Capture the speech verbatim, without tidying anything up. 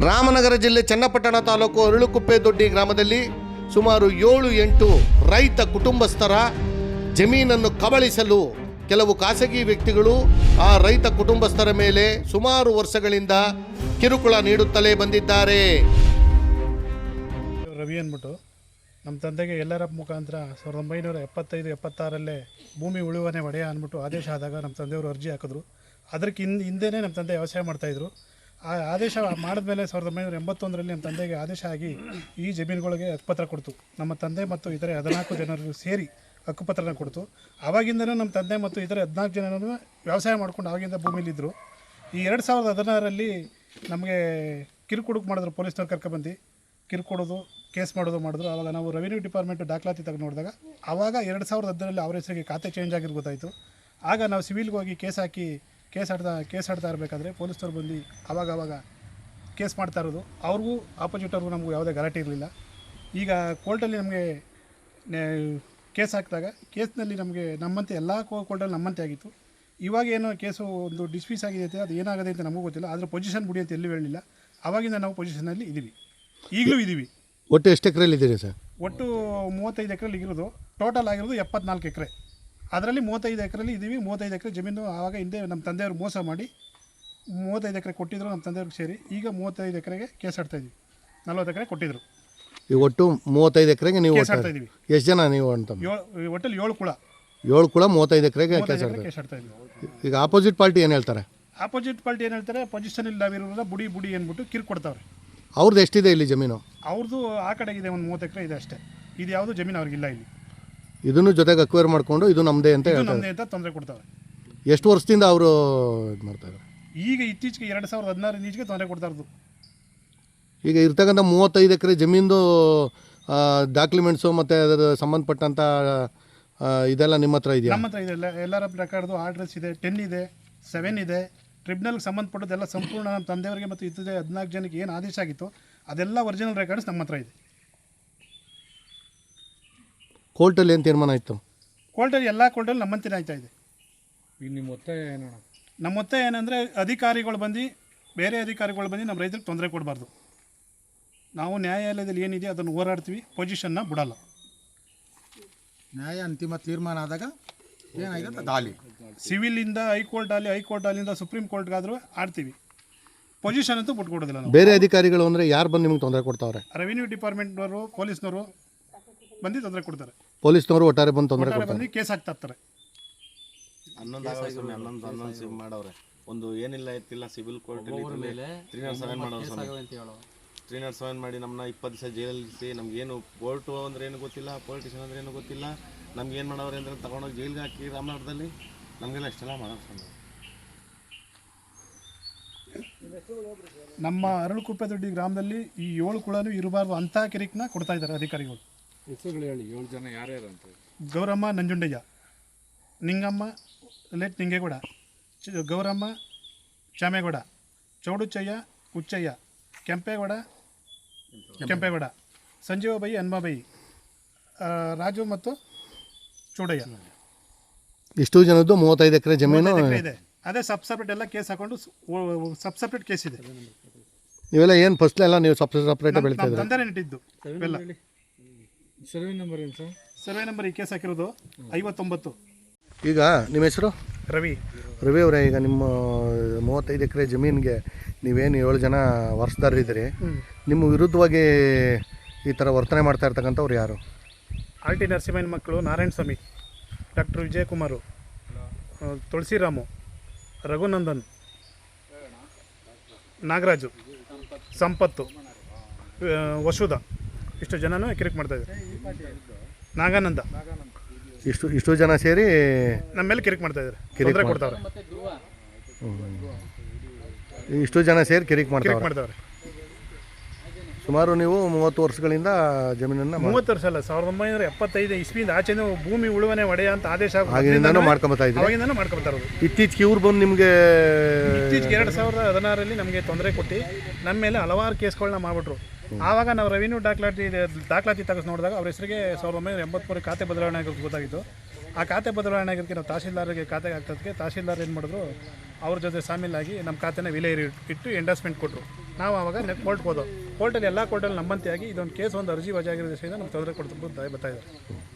ರಾಮನಗರ ಜಿಲ್ಲೆ ಚನ್ನಪಟ್ಟಣ ತಾಲೂಕು ಅರಳುಕುಪ್ಪೆ ದೊಡ್ಡಿ ಗ್ರಾಮದಲ್ಲಿ ಸುಮಾರು ಏಳು ಎಂಟು ರೈತ ಕುಟುಂಬಸ್ಥರ ಜಮೀನನ್ನು ಕಬಳಿಸಲು ಕೆಲವು ಖಾಸಗಿ ವ್ಯಕ್ತಿಗಳು ಆ ರೈತ ಕುಟುಂಬಸ್ಥರ ಮೇಲೆ ಸುಮಾರು ವರ್ಷಗಳಿಂದ ಕಿರುಕುಳ ನೀಡುತ್ತಲೇ ಬಂದಿದ್ದಾರೆ. ರವಿ ಅಂದ್ಬಿಟ್ಟು ನಮ್ಮ ತಂದೆಗೆ ಎಲ್ಲರ ಮುಖಾಂತರ ಸಾವಿರದ ಒಂಬೈನೂರ ಎಪ್ಪತ್ತೈದು ಎಪ್ಪತ್ತಾರಲ್ಲೇ ಭೂಮಿ ಉಳುವನೆ ಒಡೆಯ ಅಂದ್ಬಿಟ್ಟು ಆದೇಶ ಆದಾಗ ನಮ್ಮ ತಂದೆಯವರು ಅರ್ಜಿ ಹಾಕಿದ್ರು. ಅದಕ್ಕೆ ಹಿಂದೆ ಹಿಂದೆಯೇ ನಮ್ಮ ತಂದೆ ವ್ಯವಸಾಯ ಮಾಡ್ತಾಯಿದ್ರು. ಆ ಆದೇಶ ಮಾಡಿದ್ಮೇಲೆ ಸಾವಿರದ ಒಂಬೈನೂರ ಎಂಬತ್ತೊಂದರಲ್ಲಿ ನಮ್ಮ ತಂದೆಗೆ ಆದೇಶ ಆಗಿ ಈ ಜಮೀನುಗಳಿಗೆ ಹಕ್ಕುಪತ್ರ ಕೊಡ್ತು. ನಮ್ಮ ತಂದೆ ಮತ್ತು ಇತರೆ ಹದಿನಾಲ್ಕು ಜನರು ಸೇರಿ ಹಕ್ಕುಪತ್ರನ ಕೊಡ್ತು. ಆವಾಗಿಂದನೂ ನಮ್ಮ ತಂದೆ ಮತ್ತು ಇತರೆ ಹದಿನಾಲ್ಕು ಜನರು ವ್ಯವಸಾಯ ಮಾಡ್ಕೊಂಡು ಆವಾಗಿಂದ ಭೂಮಿಲಿದ್ದರು. ಈ ಎರಡು ಸಾವಿರದ ಹದಿನಾರರಲ್ಲಿ ನಮಗೆ ಕಿರುಕುಡುಕು ಮಾಡಿದ್ರು, ಪೊಲೀಸ್ನವ್ರು ಕರ್ಕೊಬಂದು ಕಿರುಕೊಡೋದು, ಕೇಸ್ ಮಾಡೋದು ಮಾಡಿದ್ರು. ಆವಾಗ ನಾವು ರೆವಿನ್ಯೂ ಡಿಪಾರ್ಟ್ಮೆಂಟ್ ದಾಖಲಾತಿ ತೆಗೆದು ನೋಡಿದಾಗ ಆವಾಗ ಎರಡು ಸಾವಿರದ ಹದಿನರಲ್ಲಿ ಅವ್ರ ಹೆಸರಿಗೆ ಖಾತೆ ಚೇಂಜ್ ಆಗಿದ್ದು ಗೊತ್ತಾಯಿತು. ಆಗ ನಾವು ಸಿವಿಲ್ಗೆ ಹೋಗಿ ಕೇಸ್ ಹಾಕಿ ಕೇಸ್ ಆಡ್ತಾ ಕೇಸ್ ಆಡ್ತಾ ಇರಬೇಕಾದ್ರೆ ಪೊಲೀಸ್ನವ್ರು ಬಂದು ಆವಾಗ ಆವಾಗ ಕೇಸ್ ಮಾಡ್ತಾ ಇರೋದು. ಅವ್ರಿಗೂ ಆಪೋಸಿಟವ್ರಿಗೂ ನಮಗೂ ಯಾವುದೇ ಗಲಾಟೆ ಇರಲಿಲ್ಲ. ಈಗ ಕೋರ್ಟಲ್ಲಿ ನಮಗೆ ಕೇಸ್ ಹಾಕಿದಾಗ ಕೇಸ್ನಲ್ಲಿ ನಮಗೆ ನಮ್ಮಂತೆ ಎಲ್ಲ ಕೋರ್ಟಲ್ಲಿ ನಮ್ಮಂತೆ ಆಗಿತ್ತು. ಇವಾಗ ಏನೋ ಕೇಸು ಒಂದು ಡಿಸ್ಮಿಸ್ ಆಗಿದೆ, ಅದು ಏನಾಗಿದೆ ಅಂತ ನಮಗೂ ಗೊತ್ತಿಲ್ಲ. ಆದರೆ ಪೊಸಿಷನ್ ಬಿಡಿ ಅಂತ ಎಲ್ಲೂ ಹೇಳಿಲ್ಲ. ಆವಾಗಿಂದ ನಾವು ಪೊಸಿಷನಲ್ಲಿ ಇದ್ದೀವಿ, ಈಗಲೂ ಇದ್ದೀವಿ. ಒಟ್ಟು ಎಷ್ಟು ಎಕರೆಯಲ್ಲಿ ಇದ್ದೀರಿ ಸರ್? ಒಟ್ಟು ಮೂವತ್ತೈದು ಎಕರೆಲಿ ಇರೋದು, ಟೋಟಲ್ ಆಗಿರೋದು ಎಪ್ಪತ್ನಾಲ್ಕು ಎಕರೆ. ಅದರಲ್ಲಿ ಮೂವತ್ತೈದು ಎಕರೆಲಿ ಇದ್ದೀವಿ. ಮೂವತ್ತೈದು ಎಕರೆ ಜಮೀನು ಆವಾಗ ಹಿಂದೆ ನಮ್ಮ ತಂದೆಯವರು ಮೋಸ ಮಾಡಿ ಮೂವತ್ತೈದು ಎಕರೆ ಕೊಟ್ಟಿದ್ರು ನಮ್ಮ ತಂದೆಯವ್ರಿಗೆ ಸೇರಿ. ಈಗ ಮೂವತ್ತೈದು ಎಕರೆಗೆ ಕೇಸ್ ಆಡ್ತಾಯಿದ್ವಿ. ನಲ್ವತ್ತು ಎಕರೆ ಕೊಟ್ಟಿದ್ರು. ಈಗ ಒಟ್ಟು ಮೂವತ್ತೈದು ಎಕರೆಗೆ ನೀವು ಕೇಸ್ ಆಡ್ತಾ ಇದ್ದೀವಿ. ಎಷ್ಟು ಜನ ನೀವು ಅಂತ? ಏಳು ಒಟ್ಟಲ್ಲಿ ಏಳು ಕುಳ ಏಳು ಕುಳ ಮೂವತ್ತೈದು ಎಕರೆಗೆ ಕೇಸ್ ಆಡ್ತಾರೆ. ಕೇಸ್ ಆಡ್ತಾ ಇದ್ವಿ. ಈಗ ಆಪೋಸಿಟ್ ಪಾರ್ಟಿ ಏನು ಹೇಳ್ತಾರೆ? ಆಪೋಸಿಟ್ ಪಾರ್ಟಿ ಏನು ಹೇಳ್ತಾರೆ, ಪೊಸಿಷನಲ್ಲಿ ನಾವಿರೋದ್ರಿಂದ ಬುಡಿ ಬುಡಿ ಅಂದ್ಬಿಟ್ಟು ಕಿರು ಕೊಡ್ತಾವ್ರೆ. ಅವ್ರದ್ದು ಎಷ್ಟಿದೆ ಇಲ್ಲಿ ಜಮೀನು? ಅವ್ರದ್ದು ಆ ಕಡೆಗಿದೆ ಒಂದು ಮೂವತ್ತು ಎಕರೆ ಇದೆ ಅಷ್ಟೇ. ಇದು ಯಾವುದು ಜಮೀನು ಅವ್ರಿಗಿಲ್ಲ ಇಲ್ಲಿ. ಇದನ್ನು ಜೊತೆಗೆ ಅಕ್ವೈರ್ ಮಾಡಿಕೊಂಡು ಇದು ನಮ್ಮದೇ ಅಂತ ಇದು ನಮ್ಮದೇ ಅಂತ ತೊಂದರೆ ಕೊಡ್ತಾವೆ. ಎಷ್ಟು ವರ್ಷದಿಂದ ಅವರು ಇದು ಮಾಡ್ತಾರೆ? ಈಗ ಇತ್ತೀಚೆಗೆ ಎರಡು ಸಾವಿರದ ಹದಿನಾರು ಈಚೆಗೆ ತೊಂದರೆ ಕೊಡ್ತಾ ಇರೋದು. ಈಗ ಇರ್ತಕ್ಕಂಥ ಮೂವತ್ತೈದು ಎಕರೆ ಜಮೀನ್ದು ಡಾಕ್ಯುಮೆಂಟ್ಸು ಮತ್ತು ಅದರ ಸಂಬಂಧಪಟ್ಟಂಥ ಇದೆಲ್ಲ ನಿಮ್ಮ ಹತ್ರ ಇದೆಯಾ? ನಮ್ಮ ಹತ್ರ ಇದೆ. ಎಲ್ಲರ ಪ್ರಕಾರದ್ದು ಆರ್ಡ್ರೆಸ್ ಇದೆ, ಟೆನ್ ಇದೆ, ಸೆವೆನ್ ಇದೆ. ಟ್ರಿಬ್ಯುನಲ್ಗೆ ಸಂಬಂಧಪಟ್ಟದೆಲ್ಲ ಸಂಪೂರ್ಣ ನಮ್ಮ ತಂದೆಯವರಿಗೆ ಮತ್ತು ಇತರೆ ಹದಿನಾಲ್ಕು ಜನಕ್ಕೆ ಏನು ಆದೇಶ ಆಗಿತ್ತು ಅದೆಲ್ಲ ಒರಿಜಿನಲ್ ರೆಕಾರ್ಡ್ಸ್ ನಮ್ಮ ಹತ್ರ ಇದೆ. ಕೋರ್ಟಲ್ಲಿ ಏನು ತೀರ್ಮಾನ ಆಯಿತು? ಕೋರ್ಟಲ್ಲಿ ಎಲ್ಲ ಕೋರ್ಟಲ್ಲಿ ನಮ್ಮಂತೆಯೇ ಆಯ್ತಾ ಇದೆ. ನಿಮ್ಮ ಒತ್ತಾಯ ಏನು? ನಮ್ಮ ಒತ್ತಾಯ ಏನಂದರೆ ಅಧಿಕಾರಿಗಳು ಬಂದು ಬೇರೆ ಅಧಿಕಾರಿಗಳು ಬಂದು ನಮ್ಮ ರೈತರಿಗೆ ತೊಂದರೆ ಕೊಡಬಾರ್ದು. ನಾವು ನ್ಯಾಯಾಲಯದಲ್ಲಿ ಏನಿದೆ ಅದನ್ನು ಹೋರಾಡ್ತೀವಿ, ಪೊಸಿಷನ್ನ ಬಿಡಲ್ಲ. ನ್ಯಾಯ ಅಂತಿಮ ತೀರ್ಮಾನ ಆದಾಗ ಏನಾಗಿದೆ ದಾಳಿ ಸಿವಿಲಿಂದ ಹೈಕೋರ್ಟ್ ಅಲ್ಲಿ ಹೈಕೋರ್ಟ್ ಅಲ್ಲಿಂದ ಸುಪ್ರೀಂ ಕೋರ್ಟ್ಗಾದರೂ ಆಡ್ತೀವಿ. ಪೊಸಿಷನ್ ಅಂತೂ ಬಿಟ್ಕೊಡೋದಿಲ್ಲ ನಾವು. ಬೇರೆ ಅಧಿಕಾರಿಗಳು ಅಂದರೆ ಯಾರು ಬಂದು ನಿಮ್ಗೆ ತೊಂದರೆ ಕೊಡ್ತಾವ್ರೆ? ರೆವಿನ್ಯೂ ಡಿಪಾರ್ಟ್ಮೆಂಟ್ನವರು, ಪೊಲೀಸ್ನವರು ಬಂದು ತೊಂದರೆ ಕೊಡ್ತಾರೆ. ಪೊಲೀಸ್ನವರು ಒಟ್ಟಾರೆ ಬಂದು ತೊಂದರೆ ಕೊಡ್ತಾರೆ, ಬಂದು ಕೇಸ್ ಹಾಕ್ತಾ ಇರ್ತಾರೆ. ಹನ್ನೊಂದು ಹನ್ನೊಂದು ಹನ್ನೊಂದು ಸಿಮ್ ಮಾಡವ್ರೆ. ಒಂದು ಏನಿಲ್ಲ ಎತ್ತಿಲ್ಲ civil court three naught seven ಮಾಡೋರು ತ್ರೀ ನಾಟ್ ಸೆವೆನ್ ಮಾಡಿ ನಮ್ಮನ್ನ ಇಪ್ಪತ್ತು ದಿವಸ ಜೈಲಲ್ಲಿಸಿ ನಮಗೇನು ಕೋರ್ಟು ಅಂದ್ರೆ ಏನು ಗೊತ್ತಿಲ್ಲ, ಪೊಲಿಟಿಷನ್ ಅಂದ್ರೆ ಏನು ಗೊತ್ತಿಲ್ಲ. ನಮ್ಗೆ ಏನು ಮಾಡವ್ರೆ ಅಂದರೆ ತಗೊಂಡೋಗಿ ಜೈಲಿಗೆ ಹಾಕಿ ರಾಮನಗರದಲ್ಲಿ ನಮಗೆಲ್ಲ ಇಷ್ಟೆಲ್ಲ ಮಾಡೋದು. ನಮ್ಮ ಅರಳುಕುಪ್ಪೆ ದೊಡ್ಡಿ ಗ್ರಾಮದಲ್ಲಿ ಈ ಏಳು ಕುಳನೂ ಇರಬಾರ್ದು ಅಂತ ಕಿರಿಕನ್ನ ಕೊಡ್ತಾ ಇದ್ದಾರೆ ಅಧಿಕಾರಿಗಳು. ಹೆಸರುಗಳು ಹೇಳಿ, ಏಳು ಜನ ಯಾರ್ಯಾರು ಅಂತ? ಗೌರಮ್ಮ ನಂಜುಂಡಯ್ಯ, ನಿಂಗಮ್ಮ ಲೇಟ್ ನಿಂಗೇಗೌಡ, ಚ ಗೌರಮ್ಮ ಚಾಮೇಗೌಡ, ಚೌಡುಚ್ಚಯ್ಯ ಹುಚ್ಚಯ್ಯ, ಕೆಂಪೇಗೌಡ ಕೆಂಪೇಗೌಡ, ಸಂಜೀವಬೈ ಹನುಮಬೈ, ರಾಜು ಮತ್ತು ಚೌಡಯ್ಯ. ಇಷ್ಟು ಜನದ್ದು ಮೂವತ್ತೈದು ಎಕರೆ ಜಮೀನು ಇದೆ. ಅದೇ ಸಬ್ ಸಪ್ರೇಟ್ ಎಲ್ಲ ಕೇಸ್ ಹಾಕೊಂಡು ಸಬ್ ಸಪ್ರೇಟ್ ಕೇಸ್ ಇದೆ. ಇವೆಲ್ಲ ಏನು ಫಸ್ಟ್ ಎಲ್ಲ ನೀವು ಸಪ್ರೇಟ್ ಸಪ್ರೇಟ್ ಬೆಳೀತಾ ಇದ್ದೀರಾ? ತಂದೆನೇ ಇಟ್ಟಿದ್ದು ಇವೆಲ್ಲ. ಸರ್ವೆ ನಂಬರ್ ಏನು ಸರ್? ಸರ್ವೆ ನಂಬರ್ ಈ ಕೇಸ್ ಹಾಕಿರೋದು ಐವತ್ತೊಂಬತ್ತು. ಈಗ ನಿಮ್ಮ ಹೆಸರು? ರವಿ. ರವಿ ಅವರೇ, ಈಗ ನಿಮ್ಮ ಮೂವತ್ತೈದು ಎಕರೆ ಜಮೀನಿಗೆ ನೀವೇನು ಏಳು ಜನ ವಾರಸುದಾರರಿದ್ದೀರಿ, ನಿಮ್ಮ ವಿರುದ್ಧವಾಗಿ ಈ ಥರ ವರ್ತನೆ ಮಾಡ್ತಾ ಇರ್ತಕ್ಕಂಥವ್ರು ಯಾರು? ಆರ್ ಟಿ ನರಸಿಂಹನ ಮಕ್ಕಳು ನಾರಾಯಣ ಸ್ವಾಮಿ, ಡಾಕ್ಟರ್ ವಿಜಯಕುಮಾರು, ತುಳಸಿರಾಮು, ರಘುನಂದನ್, ನಾಗರಾಜು, ಸಂಪತ್ತು, ವಸುಧ, ಇಷ್ಟು ಜನನೂ ಕಿರಿಕ್ ಮಾಡ್ತಾಯಿದ್ದಾರೆ. ನಾಗಾನಂದ, ಇಷ್ಟು ಇಷ್ಟು ಜನ ಸೇರಿ ನಮ್ಮ ಮೇಲೆ ಕಿರಿಕ್ ಮಾಡ್ತಾಯಿದ್ದಾರೆ, ತೊಂದರೆ ಕೊಡ್ತಾವ್ರೆ. ಇಷ್ಟು ಜನ ಸೇರಿ ಕಿರಿಕ್ ಮಾಡ್ತಾರೆ ಮಾಡ್ತಾವ್ರೆ. ಸುಮಾರು ನೀವು ಮೂವತ್ತು ವರ್ಷಗಳಿಂದ ಜಮೀನನ್ನು? ಮೂವತ್ತು ವರ್ಷ ಅಲ್ಲ, ಸಾವಿರದ ಒಂಬೈನೂರ ಎಪ್ಪತ್ತೈದು ಇಸ್ವಿಯಿಂದ ಆಚೆನೂ ಭೂಮಿ ಉಳುವನೆ ಒಡೆಯ ಅಂತ ಆದೇಶ ಆಗಿಂದನೂ ಮಾಡ್ಕೊಂಬತ್ತಾ ಇದ್ದೀವಿ. ಅವಾಗಿಂದನೂ ಮಾಡ್ಕೊಳ್ತಾ ಇರೋದು. ಇತ್ತೀಚೆಗೆ ಇವ್ರು ಬಂದು ನಿಮಗೆ ಇತ್ತೀಚೆಗೆ ಎರಡು ಸಾವಿರದ ಹದಿನಾರರಲ್ಲಿ ನಮಗೆ ತೊಂದರೆ ಕೊಟ್ಟು ನಮ್ಮ ಮೇಲೆ ಹಲವಾರು ಕೇಸ್ಗಳನ್ನ ಮಾಡಿಬಿಟ್ರು. ಆವಾಗ ನಾವು ರೆವಿನ್ಯೂ ದಾಖಲಾತಿ ದಾಖಲಾತಿ ತೆಗೆದು ನೋಡಿದಾಗ ಅವ್ರ ಹೆಸರಿಗೆ ಸಾವಿರದ ಒಂಬೈನೂರ ಎಂಬತ್ಮೂರು ಖಾತೆ ಬದಲಾವಣೆ ಆಗಿರೋದು ಗೊತ್ತಾಗಿತ್ತು. ಆ ಖಾತೆ ಬದಲಾವಣೆ ಆಗಿರೋದಕ್ಕೆ ನಾವು ತಹಶೀಲ್ದಾರ್ಗೆ ಖಾತೆಗೆ ಆಗ್ತದಕ್ಕೆ ತಹಶೀಲ್ದಾರ್ ಏನು ಮಾಡಿದ್ರು, ಅವ್ರ ಜೊತೆ ಸಾಮೀಲಾಗಿ ನಮ್ಮ ಖಾತೆನ ವಿಲೆ ಇಟ್ಟು ಎಂಡಾಸ್ಮೆಂಟ್ ಕೊಟ್ಟರು. ನಾವು ಆವಾಗ ನೆಟ್ ಕೋರ್ಟ್ಗೆ ಹೋದೋ ಕೋರ್ಟಲ್ಲಿ ಎಲ್ಲ ಕೋರ್ಟಲ್ಲಿ ನಮ್ಮಂತೆಯಾಗಿ ಇದೊಂದು ಕೇಸ್ ಒಂದು ಅರ್ಜಿ ವಜಾ ಆಗಿರೋ ದೃಷ್ಟಿಯಿಂದ ನಮ್ಮ ತೊಂದರೆ ಕೊಡ್ತಾ ಬರ್ತಾ ಇದ್ದಾರೆ.